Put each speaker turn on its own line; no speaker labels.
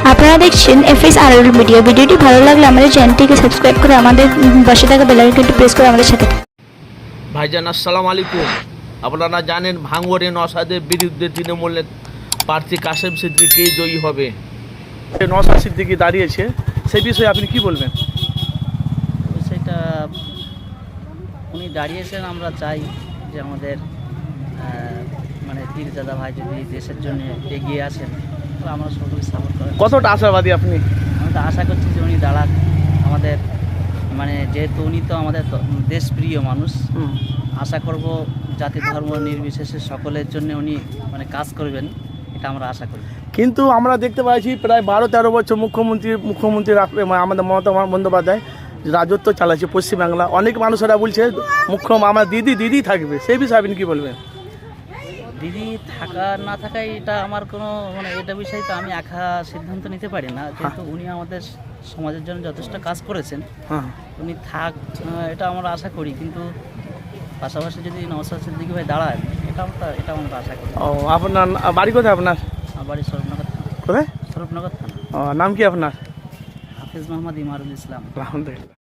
আপনারা দেখছেন FSRL media. ভিডিওটি ভালো লাগলে আমাদের চ্যানেলটিকে সাবস্ক্রাইব করে আমাদের পাশে থাকা বেল আইকনটি প্রেস করে আমাদের সাথে থাকুন।
ভাইজান আসসালামু আলাইকুম। আপনারা জানেন ভাঙড়ে নওশাদের বিরুদ্ধে তৃণমূলের প্রার্থী কাশেম সিদ্দিকী জয়ী হবে।
নওশাদ সিদ্দিকী দাঁড়িয়েছে, সেই বিষয়ে আপনি কি বলবেন?
সেটা উনি দাঁড়িয়েছেন, আমরা চাই যে আমাদের মানে পীরজাদা ভাই যদি দেশের জন্য এগিয়ে আসেন তাহলে আমরা সকলে সাপোর্ট করেন।
কতটা আশাবাদী আপনি?
আমি তো আশা করছি যে উনি দাঁড়াক আমাদের, মানে যেহেতু উনি তো আমাদের দেশপ্রিয় মানুষ, আশা করব জাতি ধর্ম নির্বিশেষে সকলের জন্য উনি মানে কাজ করবেন, এটা আমরা আশা করি।
কিন্তু আমরা দেখতে পাচ্ছি প্রায় 12-13 বছর মুখ্যমন্ত্রী আমাদের মমতা বন্দ্যোপাধ্যায় রাজত্ব চালাচ্ছে পশ্চিমবাংলা। অনেক মানুষেরা বলছে আমার দিদি থাকবে, সেই বিষয়ে আপনি কি বলবেন?
দিদি থাকা না থাকাই এটা আমার কোনো মানে এটা বিষয়ে তো আমি একা সিদ্ধান্ত নিতে পারি না, যেহেতু উনি আমাদের সমাজের জন্য যথেষ্ট কাজ করেছেন।
হ্যাঁ,
উনি থাক এটা আমরা আশা করি, কিন্তু পাশাপাশি যদি নওশাদ সিদ্দিকী ভাই দাঁড়ায় এটা আমরা আশা করি।
ও, আপনার বাড়ি কোথায়? আপনার
আমার বাড়ি স্বরূপনগর থানা।
কোথায়?
স্বরূপনগর থানা।
নাম কি আপনার?
হাফিজ মোহাম্মদ ইমারুল ইসলাম।
আলহামদুলিল্লাহ।